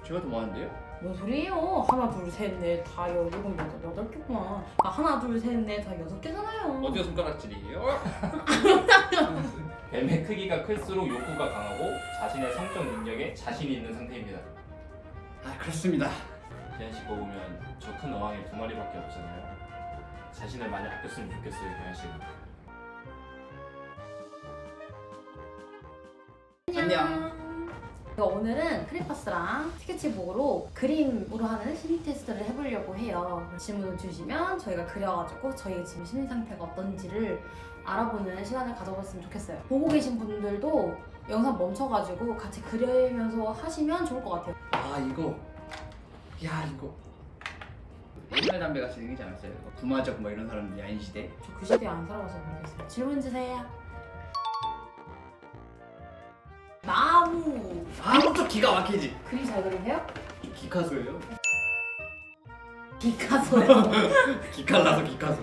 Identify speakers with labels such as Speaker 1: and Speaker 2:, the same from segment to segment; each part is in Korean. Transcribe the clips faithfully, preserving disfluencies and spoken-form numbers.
Speaker 1: 제가 더 많은데요?
Speaker 2: 뭔 소리예요? 하나 둘셋넷다 열일곱 여덟 여덟 개구나. 아 하나 둘셋넷다 여섯 개잖아요.
Speaker 1: 어디가 손가락질이에요?
Speaker 3: 뱀의 크기가 클수록 욕구가 강하고 자신의 성적 능력에 자신이 있는 상태입니다.
Speaker 1: 아 그렇습니다.
Speaker 3: 기한 씨 거 보면 저 큰 어항에 두 마리밖에 없잖아요. 자신을 많이 아꼈으면 좋겠어요, 기한 씨.
Speaker 1: 안녕.
Speaker 2: 오늘은 크레파스랑 스케치북으로 그림으로 하는 심리 테스트를 해보려고 해요. 질문을 주시면 저희가 그려가지고 저희의 지금 심리 상태가 어떤지를 알아보는 시간을 가져봤으면 좋겠어요. 보고 계신 분들도 영상 멈춰가지고 같이 그리면서 하시면 좋을 것 같아요.
Speaker 1: 아 이거 야 이거 옛날 담배 같이 생기지 않았어요? 이거 부마적 뭐 이런 사람들 야인 시대.
Speaker 2: 저 그 시대에 안 살아봐서 모르겠어요. 질문 주세요. 나무
Speaker 1: 아무것도 기가 막히지.
Speaker 2: 그림 잘 그리세요?
Speaker 1: 기카소예요?
Speaker 2: 피카소요.
Speaker 1: 기칼나서 기카소.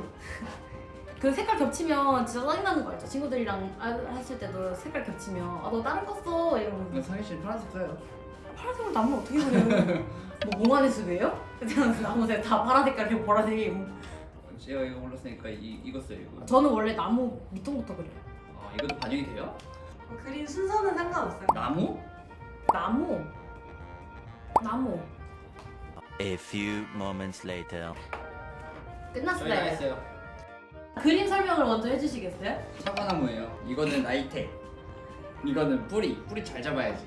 Speaker 2: 그 색깔 겹치면 진짜 짜증나는 거 알죠? 친구들이랑 아- 했을 때도 색깔 겹치면 아 너 다른 거 써 이러면서
Speaker 1: 상희 씨는 파란색 써요.
Speaker 2: 파란색으로 나무 어떻게 그려요? 뭐 몽환의 숲이에요? 그냥 나무색 다 파란 색깔 그리고 보라색이고.
Speaker 1: 제가 이거 골랐으니까 이 이거 써요 이거.
Speaker 2: 저는 원래 나무 밑동부터 그려요.
Speaker 1: 아 이것도 반영이 돼요?
Speaker 4: 그린 순서는 상관없어요.
Speaker 1: 나무?
Speaker 2: 나무 나무
Speaker 5: A few moments later.
Speaker 1: 저희 다
Speaker 2: 끝났어요.
Speaker 1: 했어요.
Speaker 2: 그림 설명을 먼저 해주시겠어요?
Speaker 1: 사과나무예요. 이거는 나이테. 이거는 뿌리. 뿌리 잘 잡아야지.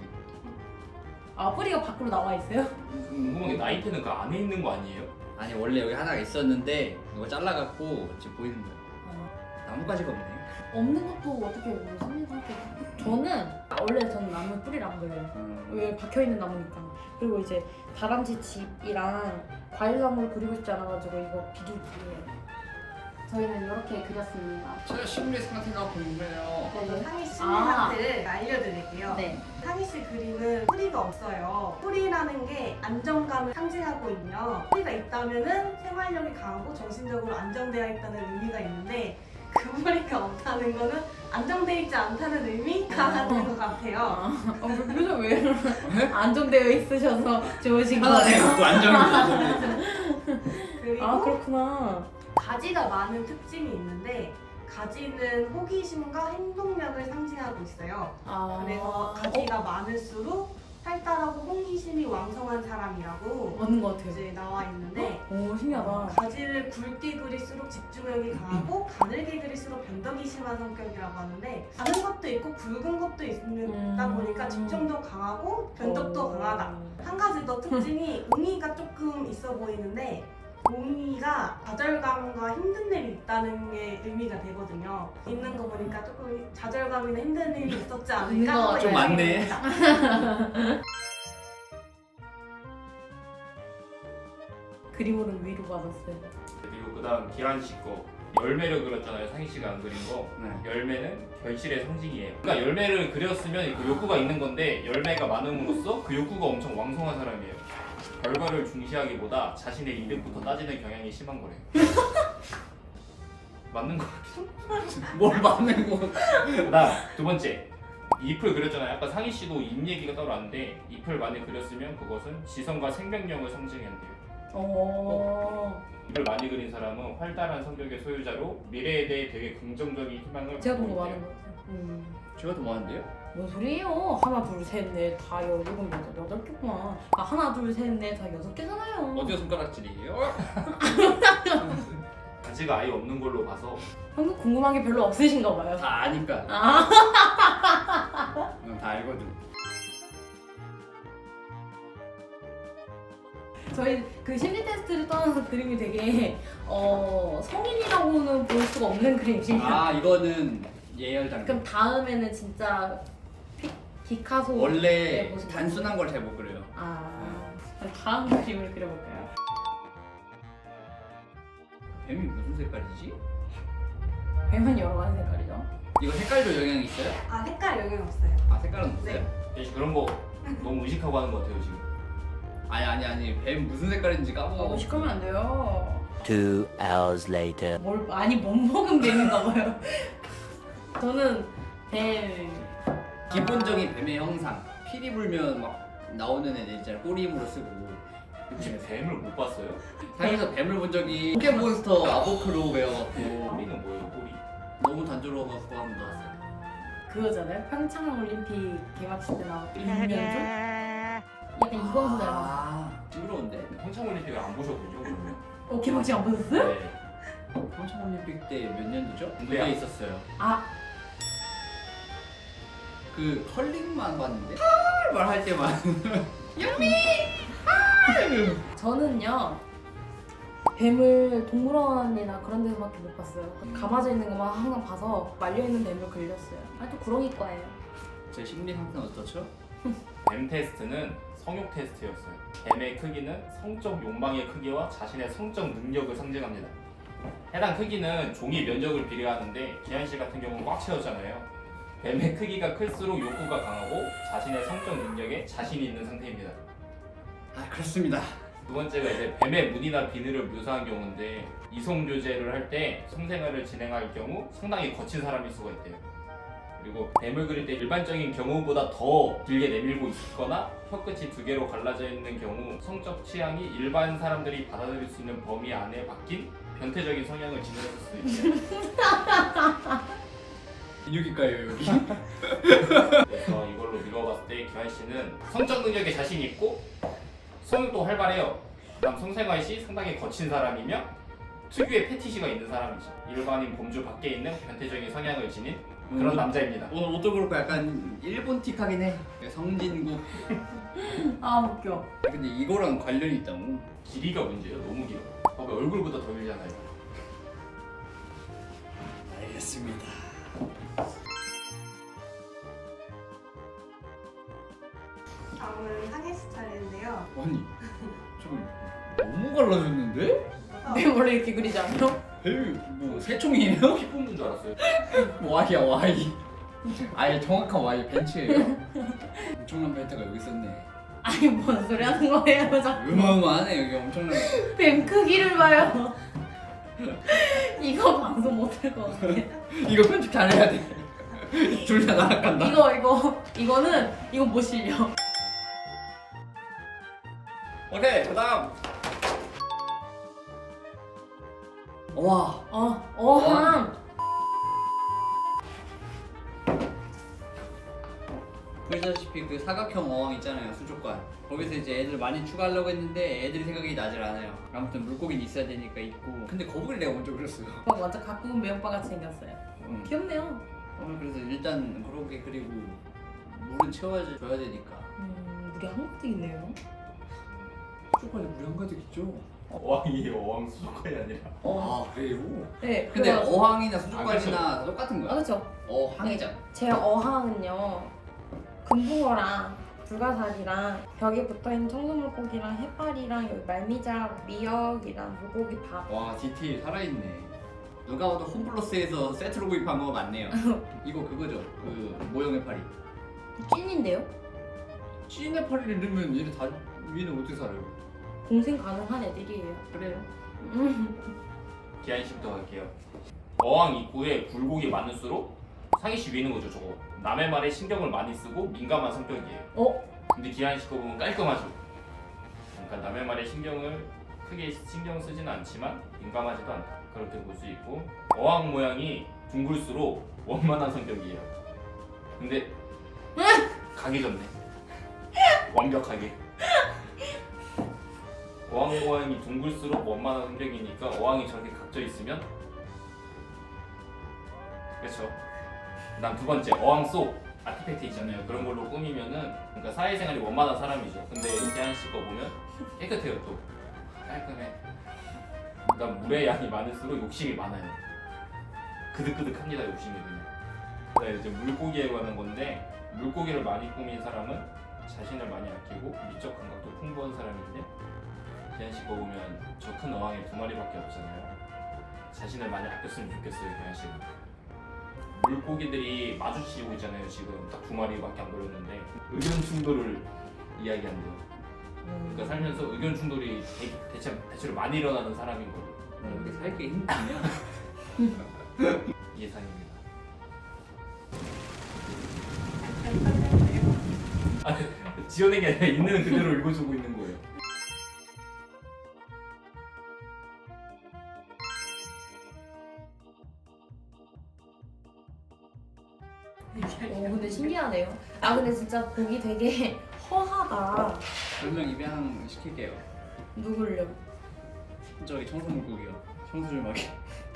Speaker 2: 아 뿌리가 밖으로 나와 있어요?
Speaker 3: 궁금한 게 나이테는 그 안에 있는 거 아니에요?
Speaker 1: 아니 원래 여기 하나가 있었는데 이거 잘라갖고 지금 보이는 거야.
Speaker 2: 어,
Speaker 1: 나무가지가 없네.
Speaker 2: 없는 것도 어떻게 뭐 심리 상태? 저는 원래 저는 나무 뿌리를 안 그려요.
Speaker 1: 음.
Speaker 2: 왜 박혀있는 나무니까. 그리고 이제 다람쥐 집이랑 과일나무를 그리고 싶지 않아가지고 이거 비둘기예요. 저희는 이렇게 그렸습니다.
Speaker 1: 제가 심리 상태가 궁금해요.
Speaker 2: 네.
Speaker 4: 상희 심리
Speaker 2: 아.
Speaker 4: 상태를 알려드릴게요.
Speaker 2: 네.
Speaker 4: 상희 씨 그림은 뿌리가 없어요. 뿌리라는 게 안정감을 상징하고 있며 뿌리가 있다면은 생활력이 강하고 정신적으로 안정되어 있다는 의미가 있는데 그 뿌리가 없다는 거는 안정되어 있지 않다는 의미가
Speaker 2: 어.
Speaker 4: 되는 것 같아요.
Speaker 2: 아, 어, 표정 왜 이러나? 안정되어 있으셔서 좋으신
Speaker 1: 하나네
Speaker 2: 거예요.
Speaker 1: 갖고 안정이
Speaker 4: 그리고
Speaker 2: 아 그렇구나.
Speaker 4: 가지가 많은 특징이 있는데 가지는 호기심과 행동력을 상징하고 있어요.
Speaker 2: 아
Speaker 4: 그래서 가지가 많을수록 활달하고 호기심이 왕성한 사람이라고
Speaker 2: 맞는 것 같아요.
Speaker 4: 이제 나와 있는데
Speaker 2: 오 신기하다.
Speaker 4: 가지를 굵게 그릴수록 집중력이 강하고 가늘게 그릴수록 변덕이 심한 성격이라고 하는데 가는 것도 있고 굵은 것도 있다
Speaker 2: 음.
Speaker 4: 보니까 집중도 강하고 변덕도
Speaker 2: 오.
Speaker 4: 강하다. 한 가지 더 특징이 웅이가 조금 있어 보이는데 웅이가 좌절감과 힘든 일이 있다는 게 의미가 되거든요. 있는 거 보니까 조금 좌절감이나 힘든 일이 있었지
Speaker 2: 있는 거
Speaker 4: 않을까?
Speaker 1: 좀 많네.
Speaker 2: 그림으로는 위로 받았어요.
Speaker 3: 그리고 그다음 기한 씨 거 열매를 그렸잖아요. 상희 씨가 안 그린 거.
Speaker 1: 네.
Speaker 3: 열매는 결실의 상징이에요. 그러니까 열매를 그렸으면 그 욕구가 있는 건데 열매가 많음으로써 그 욕구가 엄청 왕성한 사람이에요. 결과를 중시하기보다 자신의 이득부터 따지는 경향이 심한 거래요. 맞는 거 같아요.
Speaker 1: 뭘 맞는 거?
Speaker 3: 그다음 두 번째 잎을 그렸잖아요. 아까 상희 씨도 잎 얘기가 따로 왔는데 잎을 많이 그렸으면 그것은 지성과 생명력을 상징한대요.
Speaker 2: 어.
Speaker 3: 잎을 많이 그린 사람은 활달한 성격의 소유자로 미래에 대해 되게 긍정적인 희망을
Speaker 2: 제가 본
Speaker 3: 갖고
Speaker 2: 거
Speaker 3: 있대요.
Speaker 2: 많은 것 같아요. 음.
Speaker 1: 제가 더 많은데요?
Speaker 2: 뭔 소리예요? 하나 둘셋넷다 열일곱 여덟 여덟 개구나. 아 하나 둘셋넷다 여섯 개잖아요.
Speaker 1: 어디가 손가락질이에요?
Speaker 3: 가지가 아예 없는 걸로 봐서
Speaker 2: 방금 궁금한 게 별로 없으신가 봐요.
Speaker 1: 다 아니까.
Speaker 2: 아.
Speaker 1: 응, 다 알거든.
Speaker 2: 저희 그 심리 테스트를 떠나서 그림이 되게 어 성인이라고는 볼 수가 없는 그림이에요.
Speaker 1: 아 이거는 예열 단계.
Speaker 2: 그럼 다음에는 진짜 피, 피카소
Speaker 1: 원래
Speaker 2: 모습
Speaker 1: 단순한 걸 잘 못 그려요.
Speaker 2: 아 그럼 다음 그림을 그려볼까요?
Speaker 1: 뱀이 무슨 색깔이지?
Speaker 2: 뱀은 여러 가지 색깔이죠.
Speaker 1: 이거 색깔도 영향이 있어요?
Speaker 4: 아 색깔 영향 없어요.
Speaker 1: 아 색깔은 없어요?
Speaker 4: 네.
Speaker 3: 대신 그런 거 너무 의식하고 하는 것 같아요 지금.
Speaker 1: 아니 아니 아니 뱀 무슨 색깔인지
Speaker 2: 아
Speaker 1: 까먹어.
Speaker 2: 의식하면 안 돼요.
Speaker 5: Two hours later.
Speaker 2: 뭘 많이 못 먹은 뱀인가 봐요. 저는 뱀
Speaker 1: 기본적인 뱀의 형상. 피리 불면 막 나오는 애들 있잖아요. 꼬리 힘으로 쓰고.
Speaker 3: 혹시 뱀을 못 봤어요?
Speaker 1: 살면서 뱀을 본 적이 포켓몬스터 아보크로 배워갖고
Speaker 3: 꼬리는 뭐예요? 꼬리?
Speaker 1: 너무 단조로워갖고 한번 나왔어요.
Speaker 2: 그거잖아요. 평창 올림픽 개막식 때 나왔던 윤현중? 약간 이광수 닮았어.
Speaker 1: 아, 징그러운데?
Speaker 3: 평창 올림픽을 안 보셨군요. 그러면.
Speaker 2: 어 개막식 안 보셨어요?
Speaker 3: 네.
Speaker 1: 평창올림픽 때 몇 년도죠?
Speaker 3: 네.
Speaker 1: 무대에 있었어요.
Speaker 2: 아
Speaker 1: 그 컬링만 봤는데 말 할 때만
Speaker 2: 저는요 뱀을 동물원이나 그런 데서밖에 못 봤어요. 감아져 있는 것만 항상 봐서 말려 있는 뱀을 그렸어요. 아 또 구렁이과예요.
Speaker 1: 제 심리 상태는 어떻죠?
Speaker 3: 뱀 테스트는 성욕 테스트였어요. 뱀의 크기는 성적 욕망의 크기와 자신의 성적 능력을 상징합니다. 해당 크기는 종이 면적을 비례하는데 기한 씨 같은 경우는 꽉 채웠잖아요. 뱀의 크기가 클수록 욕구가 강하고 자신의 성적 능력에 자신이 있는 상태입니다.
Speaker 1: 아 그렇습니다.
Speaker 3: 두 번째가 이제 뱀의 무늬나 비늘을 묘사한 경우인데 이성 교제를 할 때 성생활을 진행할 경우 상당히 거친 사람일 수가 있대요. 그리고 뱀을 그릴 때 일반적인 경우보다 더 길게 내밀고 있거나 혀끝이 두 개로 갈라져 있는 경우 성적 취향이 일반 사람들이 받아들일 수 있는 범위 안에 박힌 변태적인 성향을 지녔을 수도 있대요.
Speaker 1: 인육일까요 여기?
Speaker 3: 그래서 이걸로 미뤄봤을 때 기환 씨는 성적 능력에 자신 있고 성욕도 활발해요. 그다음 성생활 시 상당히 거친 사람이며 특유의 패티시가 있는 사람이죠. 일반인 범주 밖에 있는 변태적인 성향을 지닌 그런
Speaker 1: 음.
Speaker 3: 남자입니다.
Speaker 1: 오늘 옷도 그렇고 약간 일본틱하긴 해. 성진국.
Speaker 2: 아 웃겨.
Speaker 1: 근데 이거랑 관련이 있다고?
Speaker 3: 길이가 문제예요. 너무 길어. 봐봐 얼굴보다 더 길잖아요.
Speaker 1: 알겠습니다.
Speaker 4: 다음은 상혜 씨 차례인데요.
Speaker 1: 아니 저거 너무 갈라졌는데?
Speaker 2: 뱀 원래 이렇게 그리지 않아요?
Speaker 1: 뭐 새총이에요?
Speaker 3: 피 뽑는 줄 알았어요.
Speaker 1: Y야 Y. 아예 정확한 Y 벤츠예요. 엄청난 벤트가 여기 있었네.
Speaker 2: 아니 뭔 소리 하는 거예요? 자꾸
Speaker 1: 어마어마하네 여기 엄청난.
Speaker 2: 뱀 크기를 봐요. 이거 방송 못할 것 같아.
Speaker 1: 이거 편집 잘해야 돼. 둘 다 나락간다.
Speaker 2: 이거 이거 이거는 이거 못 실려.
Speaker 1: 오케이 그다음. 와.
Speaker 2: 어 어항.
Speaker 1: 보시다시피 그 사각형 어항 있잖아요 수족관. 거기서 이제 애들 많이 추가하려고 했는데 애들이 생각이 나질 않아요. 아무튼 물고기는 있어야 되니까 있고. 근데 거북이를 내가 먼저 그렸어요.
Speaker 2: 오빠 완전 가꾸은 매운빠 같이 생겼어요.
Speaker 1: 응.
Speaker 2: 귀엽네요.
Speaker 1: 오늘 그래서 일단 그렇게 그리고 물은 채워줘야 되니까.
Speaker 2: 음 물이 한가득 있네요.
Speaker 1: 수족관에 물이 한가득 있죠.
Speaker 3: 어항이에요. 어항 수족관이 아니라.
Speaker 1: 아 그래요?
Speaker 2: 네.
Speaker 1: 근데
Speaker 2: 그래서-
Speaker 1: 어항이나
Speaker 3: 아,
Speaker 1: 수족관이나
Speaker 3: 그렇죠.
Speaker 1: 다 똑같은
Speaker 2: 아
Speaker 1: 거야.
Speaker 2: 그렇죠.
Speaker 1: 어항이잖아.
Speaker 2: 제 어항은요 금붕어랑 불가사리랑 벽에 붙어있는 청소물고기랑 해파리랑 여기 말미잘 미역이랑 물고기 밥.
Speaker 1: 와 디테일 살아있네. 누가 봐도 홈플러스에서 세트로 구입한 거 맞네요. 이거 그거죠. 그 모형의 파리.
Speaker 2: 찐인데요?
Speaker 1: 찐의 파리를 넣으면 얘네 다 위는 어떻게 살아요?
Speaker 2: 공생 가능한 애들이에요.
Speaker 1: 그래요?
Speaker 2: 음.
Speaker 3: 기한 씨부터 갈게요. 어항 입구에 굴곡이 많을수록 상희 씨 위는 거죠 저거. 남의 말에 신경을 많이 쓰고 민감한 성격이에요.
Speaker 2: 어?
Speaker 3: 근데 기한 씨 거 보면 깔끔하죠. 그러니까 남의 말에 신경을 크게 신경 쓰지는 않지만 민감하지도 않다. 그렇게 볼 수 있고 어항 모양이 둥글수록 원만한 성격이에요. 근데 가기 전네. 완벽하게. 어항 모양이 둥글수록 원만한 성격이니까 어항이 저렇게 각져 있으면 그렇죠. 그다음 두 번째 어항 속 아티팩트 있잖아요. 그런 걸로 꾸미면은 그러니까 사회생활이 원만한 사람이죠. 근데 이태한 씨 거 보면 깨끗해요 또 깔끔해. 그다음 물의 양이 많을수록 욕심이 많아요. 그득그득합니다 욕심이 그냥. 네, 이제 물고기에 관한 건데 물고기를 많이 꾸민 사람은 자신을 많이 아끼고 미적 감각도 풍부한 사람인데 기한 씨 거 보면 저 큰 어항에 두 마리밖에 없잖아요. 자신을 많이 아꼈으면 좋겠어요 기한 씨는. 물고기들이 마주치고 있잖아요. 지금 딱 두 마리밖에 안 걸렸는데 의견 충돌을 이야기한대요. 그러니까 살면서 의견 충돌이 대, 대체, 대체로 많이 일어나는 사람인 걸로
Speaker 1: 이렇게 살기 힘드냐?
Speaker 3: 예상입니다. 지어낸 게 아니라 있는 그대로 읽어주고 있는 거예요.
Speaker 2: 오 근데 신기하네요. 아 근데 진짜 보기 되게 허하다.
Speaker 1: 별명 입양 시킬게요.
Speaker 2: 누굴요?
Speaker 1: 저기 청소 물고기요. 청소 좀 하게.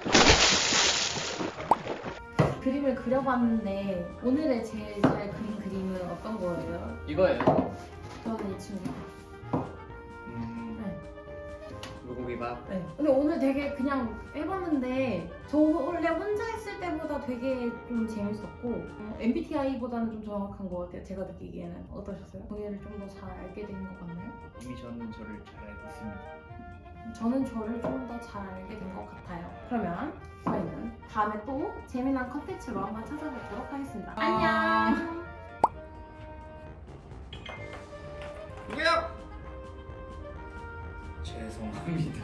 Speaker 2: 그림을 그려봤는데 오늘의 제일 잘 그린 그림은 어떤 거예요?
Speaker 1: 이거예요.
Speaker 2: 저는 이 친구.
Speaker 1: 음.
Speaker 2: 네.
Speaker 1: 물고기밥.
Speaker 2: 네. 근데 오늘 되게 그냥 해봤는데 저 원래 혼자 했을 때보다 되게 좀 재밌었고 어, 엠비티아이보다는 좀 정확한 것 같아요. 제가 느끼기에는 어떠셨어요? 동해를 좀 더 잘 알게 된 것 같나요?
Speaker 1: 이미 저는 저를 잘 알고 있습니다.
Speaker 2: 저는 저를 좀 더 잘 알게 된 것 같아요. 그러면 저희는 다음에 또 재미난 컨텐츠로 한번 찾아뵙도록 하겠습니다.
Speaker 1: 아.
Speaker 2: 안녕!
Speaker 1: 누구야? 죄송합니다.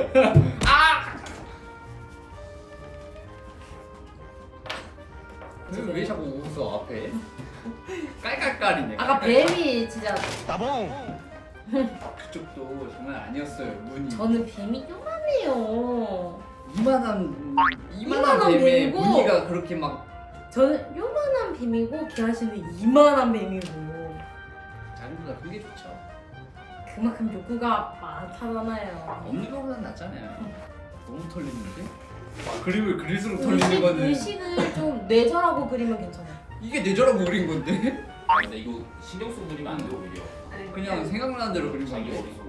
Speaker 1: 왜, 왜 자꾸 웃어 앞에? 깔깔깔이네.
Speaker 2: 아까 뱀이 진짜
Speaker 1: 그쪽도 장난 아니었어요. 문이
Speaker 2: 저는 뱀이 요만해요.
Speaker 1: 이만한 이만한
Speaker 2: 이만한
Speaker 1: 뱀에
Speaker 2: 뱀이고.
Speaker 1: 무늬가 그렇게 막
Speaker 2: 저는 요만한 뱀이고 기아씨는 이만한 뱀이고
Speaker 1: 작은 거보다 큰 게 좋죠.
Speaker 2: 그만큼 욕구가 많다잖아요.
Speaker 1: 없는 거보단 낫잖아요. 너무 털리는데? 그림을 그릴수록
Speaker 2: 의식,
Speaker 1: 털리는 거는
Speaker 2: 의식을 좀 뇌절하고 그리면 괜찮아요.
Speaker 1: 이게 뇌절하고 그린 건데?
Speaker 3: 아 근데 이거 신경 쓰고 그리면 안 돼 오히려.
Speaker 4: 네.
Speaker 1: 그냥 생각나는 대로 그린
Speaker 3: 자기
Speaker 1: 건데?
Speaker 3: 머릿속에.